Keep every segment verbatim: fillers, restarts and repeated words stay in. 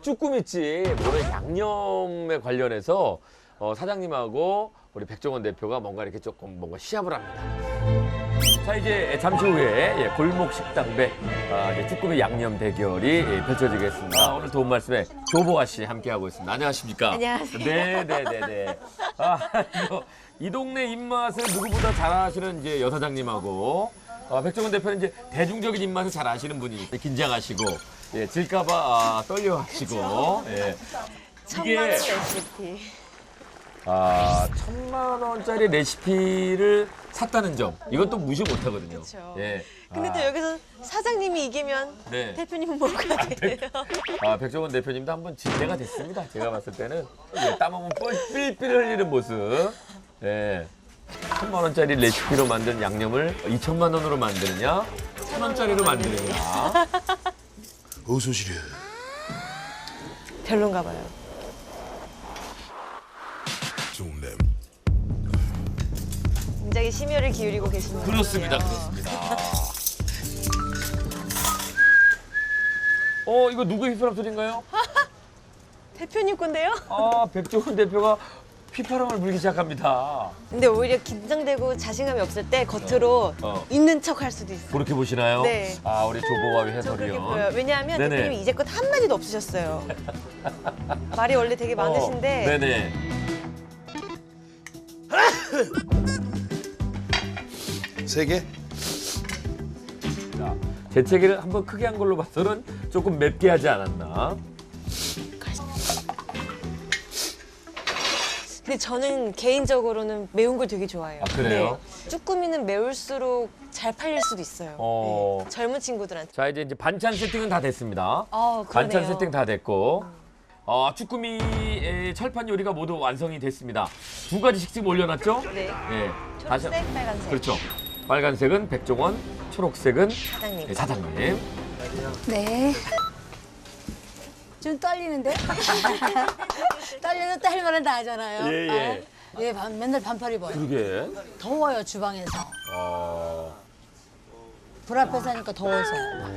쭈꾸미집 오늘 양념에 관련해서 어, 사장님하고 우리 백종원 대표가 뭔가 이렇게 조금 뭔가 시합을 합니다. 자, 이제 잠시 후에 예, 골목 식당배 아, 이제 쭈꾸미 양념 대결이 예, 펼쳐지겠습니다. 아, 오늘 도움 말씀에 조보아 씨 함께하고 있습니다. 안녕하십니까? 안녕하세요. 네네네네. 아, 이거, 이 동네 입맛을 누구보다 잘 아시는 이제 여사장님하고 아, 백종원 대표는 이제 대중적인 입맛을 잘 아시는 분이 긴장하시고 예, 질까봐 아, 떨려하시고 예. 천만 원 레시피. 아, 천만 원짜리 레시피를 샀다는 점. 이건 또 무시 못 하거든요. 그쵸. 예. 근데 아, 또 여기서 사장님이 이기면 네. 대표님은 뭐가 돼요? 아, 백종원 대표님도 한번 진대가 됐습니다. 제가 봤을 때는 예, 땀 한번 삘삘 흘리는 모습. 예. 천만 원짜리 레시피로 만든 양념을 이천만 원으로 만드느냐, 천 원짜리로 만드느냐. 어서 오시려. 별론가 봐요. 좋네. 굉장히 심혈을 기울이고 계시는 것 그렇습니다, 같아요. 그렇습니다. 어, 이거 누구 휘파람 소리인가요? 대표님 건데요? 아, 백종원 대표가 휘파람을 불기 시작합니다. 근데 오히려 긴장되고 자신감이 없을 때 겉으로 어. 있는 척 할 수도 있어요. 그렇게 보시나요? 네. 아, 우리 조보와 저 그렇게 해설위원. 보여요. 왜냐하면 네네. 대표님이 이제껏 한마디도 없으셨어요. 말이 원래 되게 많으신데 어, 네네. 세 개? 자, 재채기를 한번 크게 한 걸로 봐서는 조금 맵게 하지 않았나? 근데 저는 개인적으로는 매운 걸 되게 좋아해요. 아, 그래요? 네. 쭈꾸미는 매울수록 잘 팔릴 수도 있어요. 어. 네. 젊은 친구들한테. 자, 이제 이제 반찬 세팅은 다 됐습니다. 어, 반찬 그러네요. 세팅 다 됐고. 어, 쭈꾸미의 철판 요리가 모두 완성이 됐습니다. 두 가지씩 지금 올려놨죠? 네. 예. 다시 초록색, 빨간색. 그렇죠. 빨간색은 백종원, 초록색은 사장님. 예, 사장님. 네. 좀 떨리는데? 떨려도 딸만은 다 하잖아요. 예, 예. 아, 예, 반- 맨날 반팔 입어요. 그러게. 더워요, 주방에서. 어, 불 앞에서 하니까 더워서.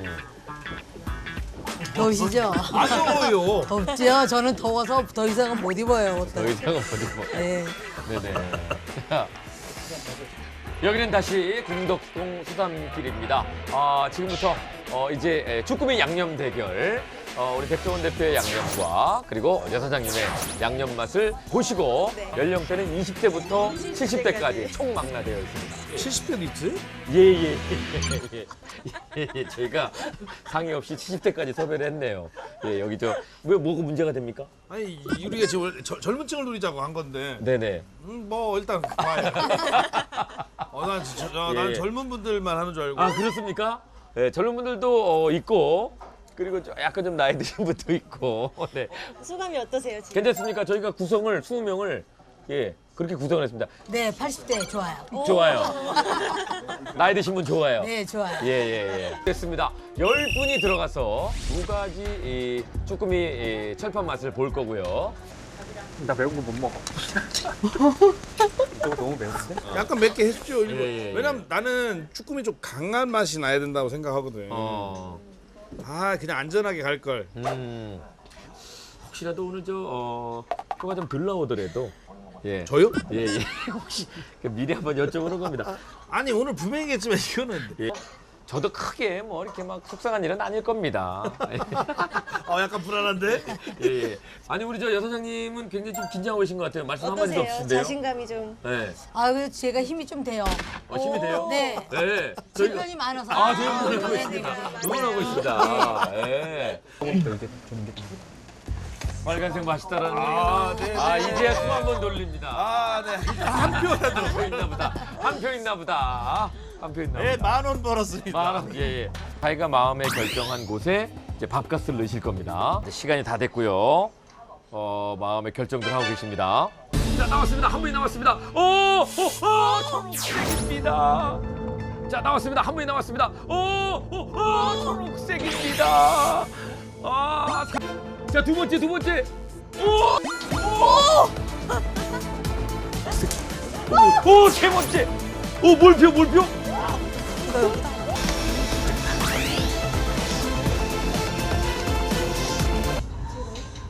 더우시죠? 안 더워요. 덥죠? 저는 더워서 더 이상은 못 입어요, 옷도. 더 이상은 어디 뭐. 네. 네네. 자, 여기는 다시 공덕동 수산길입니다. 아, 지금부터 어, 이제 에, 쭈꾸미 양념 대결. 어, 우리 백종원 대표의 양념과 그리고 여 사장님의 양념 맛을 보시고 네. 연령대는 이십 대부터 칠십 대까지 총 망라되어 있습니다. 칠십 대도 있지? 예예. 예, 예, 예, 저희가 상의 없이 칠십 대까지 섭외를 했네요. 예, 여기 저 왜 뭐가 문제가 됩니까? 아니 우리가 지금 원래 저- 젊은 층을 노리자고 한 건데. 네네. 음, 뭐 일단 봐요. 어, 난, 저, 저, 난 예. 젊은 분들만 하는 줄 알고. 아 그렇습니까? 네, 젊은 분들도 어, 있고 그리고 좀 약간 좀 나이 드신 분도 있고. 네. 소감이 어떠세요, 지금? 괜찮습니까? 저희가 구성을 이십 명을 예 그렇게 구성을 했습니다. 네, 팔십 대 좋아요. 좋아요. 나이 드신 분 좋아요. 네, 좋아요. 예예예. 됐습니다. 열 분이 들어가서 두 가지 이 쭈꾸미 이 철판 맛을 볼 거고요. 나 매운 거 못 먹어. 이거 너무 매운데? 약간 맵게 해주죠. 일부러. 예, 예, 예. 왜냐면 나는 쭈꾸미 좀 강한 맛이 나야 된다고 생각하거든. 어. 아 그냥 안전하게 갈 걸. 음. 혹시라도 오늘 저 어, 표가 좀 덜 나오더라도 예. 저요? 예, 예. 혹시 미리 한번 여쭤보는 겁니다. 아니 오늘 분명히겠지만 이거는 예. 저도 크게 뭐 이렇게 막 속상한 일은 아닐 겁니다. 어 약간 불안한데. 예, 예. 아니 우리 저 여사장님은 굉장히 좀 긴장하고 계신 것 같아요. 말씀 한마디도 어떠세요? 없으신데요. 자신감이 좀. 네. 아, 그래서 제가 힘이 좀 돼요. 어, 힘이 돼요? 네. 네. 제 저희가- 편이 많아서. 아, 저희 응원하고 네, 있습니다. 네, 네. 응원하고 있습니다. 예. 빨간색 맛있다라는 아, 얘기는 네, 아, 네. 이제야 숨 한 번 돌립니다. 아 네. 한 표 있나 보다. 한 표 있나 보다. 한 표 있나 보다. 네, 만 원 벌었습니다. 만 원, 예, 예. 자기가 마음에 결정한 곳에 이제 밥값을 넣으실 겁니다. 이제 시간이 다 됐고요. 어, 마음의 결정들 하고 계십니다. 자, 나왔습니다. 한 분이 나왔습니다. 오, 오, 오, 초록색입니다. 자, 나왔습니다. 한 분이 나왔습니다. 오, 오, 오, 초록색입니다. 아, 자, 두 번째, 두 번째. 오, 오, 오, 세 번째. 오, 몰표, 몰표.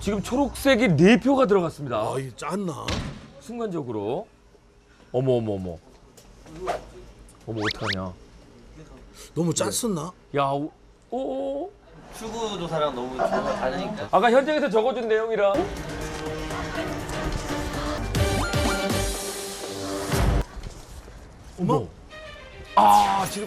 지금 초록색이 네 표가 들어갔습니다. 아, 이 짰나? 순간적으로. 어머 어머 어머. 어머 어떡하냐. 너무 짰었나? 야, 오, 오. 출구 조사랑 너무 조사가 다르니까. 아까 현장에서 적어준 내용이랑. 어머. 아, 지금.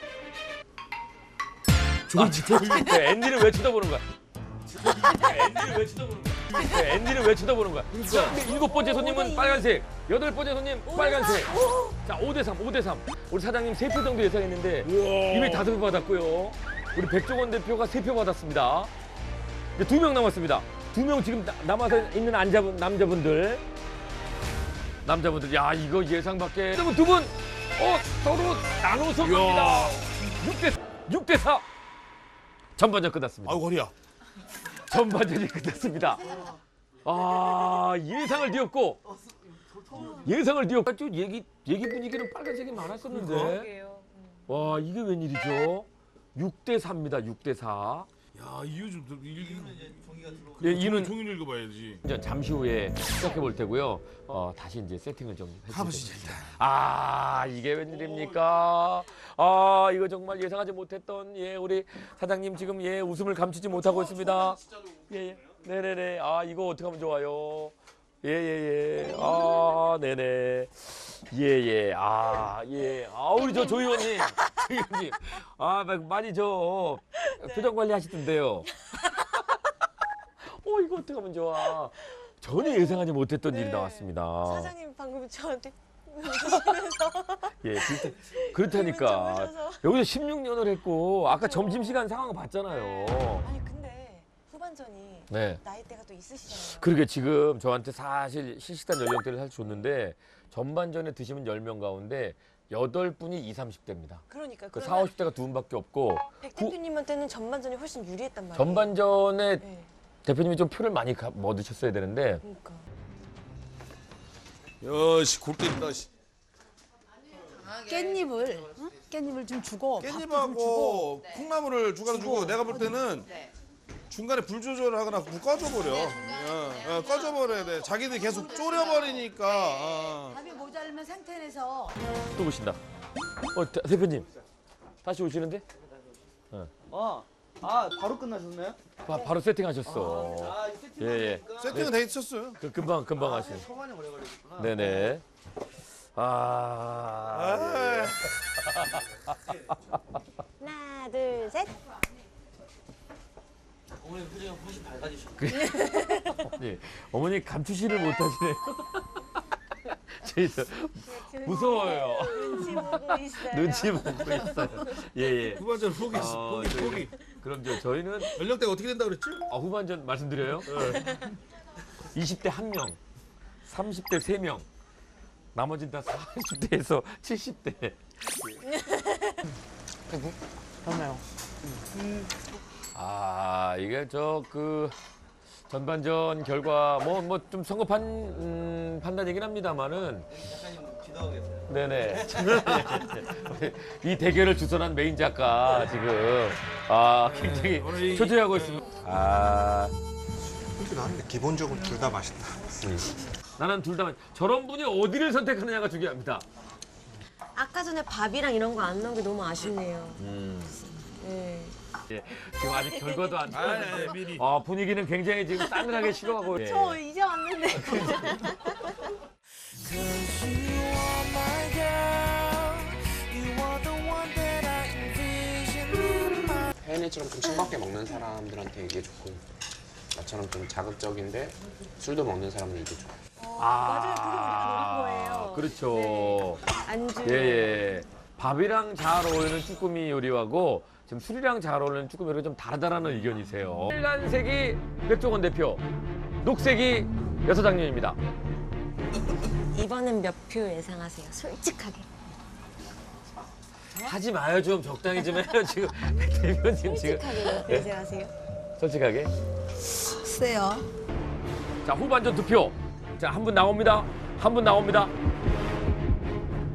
아, 지금 앤디를 왜 쳐다보는 거야? 앤디를 왜 쳐다보는 거야? 앤디를 왜 쳐다보는 거야? 그러니까 일곱 번째 손님은 빨간색, 여덟 번째 손님 빨간색. 자, 오 대 삼, 오 대 삼. 우리 사장님 세 표 정도 예상했는데 이미 다섯 표 받았고요. 우리 백종원 대표가 세 표 받았습니다. 이제 두 명 남았습니다. 두 명 지금 나- 남아서 있는 안자분, 남자분들. 남자분들, 야, 이거 예상 밖에. 여러분 두 분, 어, 서로 나눠서 갑니다. 육 대, 육 대 사. 전반전 끝났습니다. 아이고, 허리야. 전반전이 끝났습니다. 아, 예상을 뒤엎고 예상을 뒤엎고 좀 얘기 얘기 분위기는 빨간색이 많았었는데. 그러게요. 와, 이게 웬일이죠? 육 대 사입니다. 육 대 사. 야, 이유 좀 읽. 예, 이유는 종일 읽어봐야지. 이제 잠시 후에 시작해 볼 테고요. 어, 다시 이제 세팅을 좀 가보시죠, 해주세요. 일단. 아, 이게 웬일입니까? 아, 이거 정말 예상하지 못했던 예, 우리 사장님 지금 예, 웃음을 감추지 못하고 있습니다. 예, 예. 네네네. 아, 이거 어떻게 하면 좋아요? 예, 예, 예. 아, 네네. 예, 예. 아, 예. 아, 우리 저 조 의원님. 조 의원님. 아, 많이 저 표정 관리 하시던데요. 어, 이거 어떻게 하면 좋아. 전혀 예상하지 못했던 네. 일이 나왔습니다. 사장님 방금 저한테 예, 그렇다, 그렇다니까. 웃으셔서. 여기서 십육 년을 했고, 아까 점심시간 상황 봤잖아요. 아니 근데 후반전이 네. 나이대가 또 있으시잖아요. 그러게 지금 저한테 사실 실시간 연령대를 사실 줬는데, 전반전에 드시면 열 명 가운데 여덟 분이 이십, 삼십 대입니다. 그러니까 그 그러면 사십, 오십 대가 두 분밖에 없고, 백 후- 대표님한테는 전반전이 훨씬 유리했단 말이에요. 전반전에 네. 대표님이 좀 표를 많이 가- 뭐 넣으셨어야 되는데, 그러니까. 여시 골때린다. 씨. 깻잎을 응? 깻잎을 좀 주고 밥도 좀 주고. 깻잎하고 콩나물을 주가로 주고 내가 볼 때는 중간에 불 조절을 하거나 무 꺼져버려. 어, 어, 꺼져버려야 돼. 자기들이 계속 졸여버리니까. 어. 밥이 모자르면 상태에서 또 오신다. 어, 대, 대표님. 다시 오시는데? 어. 아, 바로 끝나셨나요? 바, 바로 세팅하셨어. 아, 이 세팅. 예, 예. 세팅은 돼 있었어요. 그 금방 금방 하신. 초반에 오래 걸리셨구나. 네네. 아. 아, 하나, 둘, 셋. 어머님 표정이 훨씬 밝아지셨고. 예. 어머니 감추시를 못하시네요. 저희도 무서워요. 눈치 보고 있어요. 눈치 보고 있어요. 예, 예. 후반전 포기, 어, 포기, 저희- 포기. 그럼 저 저희는 연령대가 어떻게 된다 그랬지? 아, 후반전 말씀드려요. 이십 대 한 명, 삼십 대 세 명, 나머지는 다 사십 대에서 칠십 대. 맞나요? 아, 이게 저 그 전반전 결과 뭐 뭐 좀 성급한 음, 판단이긴 합니다만은 작가님 기도하고 계세요. 네네. 이 대결을 주선한 메인 작가 지금 아 굉장히 오늘 이- 초조해하고 있습니다. 아, 근데 나는 기본적으로 둘 다 맛있다. 나는 둘 다 저런 분이 어디를 선택하느냐가 중요합니다. 아까 전에 밥이랑 이런 거 안 나온 게 너무 아쉽네요. 음, 네. 예, 지금 아직 결과도 안 아, 나왔는데 예, 미리. 아, 분위기는 굉장히 지금 싸늘하게 식어가고. 예. 저 이제 왔는데. 혜연이처럼 좀 싱겁게 먹는 사람들한테 이게 좋고 나처럼 좀 자극적인데 술도 먹는 사람은 이게 좋아. 아, 맞아요. 그게 우리가 노린 거예요. 그렇죠. 안주. 예, 예. 밥이랑 잘 어울리는 쭈꾸미 요리하고 지금 술이랑 잘 어울리는 쭈꾸미 요리가 좀 다르다라는 의견이세요. 빨간색이 백종원 대표, 녹색이 여사장님입니다. 이번엔 몇 표 예상하세요? 솔직하게. 하지 마요, 좀 적당히 좀 해요. 지금 백 대표님 지금 솔직하게 몇 표 예상하세요? 솔직하게. 세요. 자, 후반전 투표. 자, 한 분 나옵니다. 한 분 나옵니다.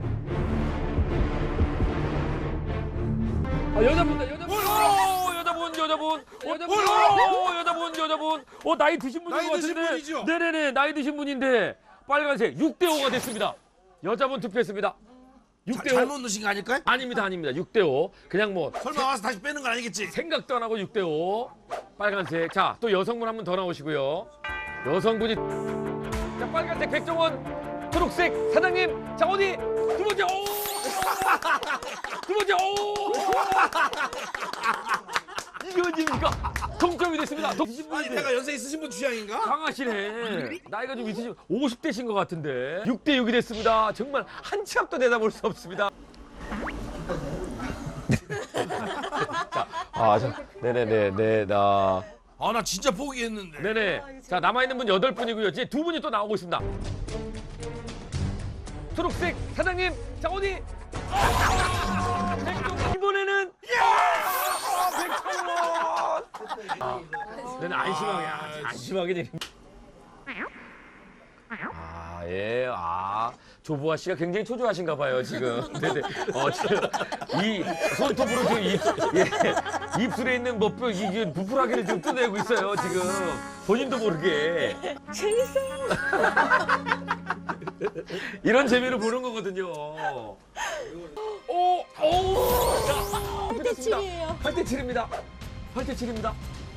아, 여자분다, 여자분. 오, 여자분. 여자분, 여자분, 어, 여자분, 여자분. 어, 나이 드신 분인 나이 것 드신 같은데. 분이죠? 네네네, 나이 드신 분인데 빨간색 육 대 오가 됐습니다. 여자분 투표했습니다. 육 대 오. 잘못 넣으신 거 아닐까요? 아닙니다, 아닙니다. 육 대 오. 그냥 뭐 설마 와서 다시 빼는 건 아니겠지? 생각도 안 하고 육 대 오. 빨간색. 자, 또 여성분 한 분 더 나오시고요. 여성분이 자, 빨간색 백종원, 초록색 사장님. 자, 어디? 두 번째. 오! 두 번째. 오! 이게 웬일입니까? 동점이 됐습니다. 동... 아니 내가 연세 있으신 분 취향인가? 강하시네. 나이가 좀 있으신 오십 대신 것 같은데. 육 대 육이 됐습니다. 정말 한치 앞도 내다볼 수 없습니다. 자, 아, 자, 네네네, 네, 나, 아 나 진짜 포기했는데. 네네. 자, 남아있는 분 여덟 분이고요. 이제 두 분이 또 나오고 있습니다. 초록색 사장님, 자, 어디? 아, 백종원. 이번에는, 야! 백종원! 아, 네네, 안심하게, 아, 안심하게 되는. 아, 예, 아, 조보아 씨가 굉장히 초조하신가 봐요, 지금. 네네. 어, 지금 이 손톱으로 지금 입, 예, 입술에 있는 뭐 뼈, 이게 부풀하기를 지금 뜯어내고 있어요, 지금. 본인도 모르게. 재밌어요. 이런 재미를 보는 거거든요. 오, 오, 자, 팔 대 칠이에요. 팔 대 칠입니다. 팔 대 칠입니다.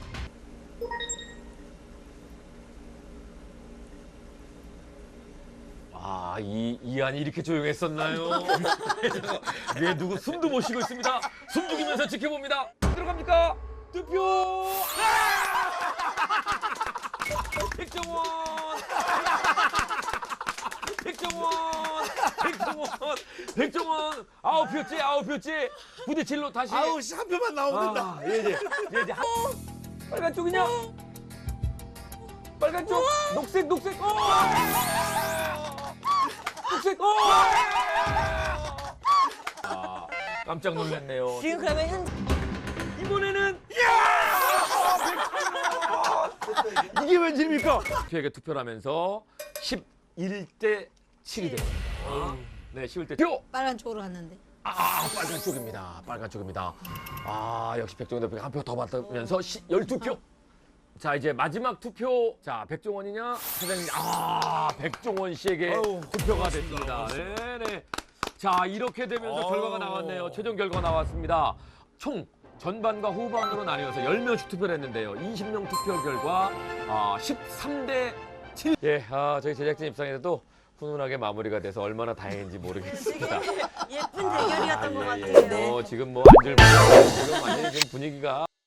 아, 이, 이안이 이렇게 조용했었나요? 왜 누구 숨도 못 쉬고 있습니다. 숨 죽이면서 지켜봅니다. 들어갑니까? 투표! 아! 백종원! 백종원! 백종원! 백종원! 아홉 표째, 아홉 표째! 부대 칠로 다시. 아우 씨 한 표만 나오면 된다. 아, 예, 예. 예, 이제 한... 빨간 쪽이냐? 빨간 쪽! 녹색, 녹색! 어! 녹색! 어! 아, 깜짝 놀랐네요. 지금 그러면 현 이번에는 이게 웬일입니까? 투표에게 투표를 하면서 십일 대 칠이 됩니다. 네, 십일 대 표! 빨간 쪽으로 갔는데. 아, 빨간 쪽입니다. 빨간 쪽입니다. 아, 역시 백종원 대표가 한 표 더 받으면서 열두 표. 자, 이제 마지막 투표. 자, 백종원이냐? 사장님. 아, 백종원 씨에게 아유, 투표가 됐습니다. 네, 네. 자, 이렇게 되면서 아유. 결과가 나왔네요. 최종 결과가 나왔습니다. 총 전반과 후반으로 나뉘어서 열 명씩 투표를 했는데요. 이십 명 투표 결과 아, 십삼 대 칠. 예, 아, 저희 제작진 입장에서도 훈훈하게 마무리가 돼서 얼마나 다행인지 모르겠습니다. 예쁜 대결이었던 것 아, 예, 같아요. 예. 뭐 지금 뭐 안줄 모르고 지금 완전히 지금 분위기가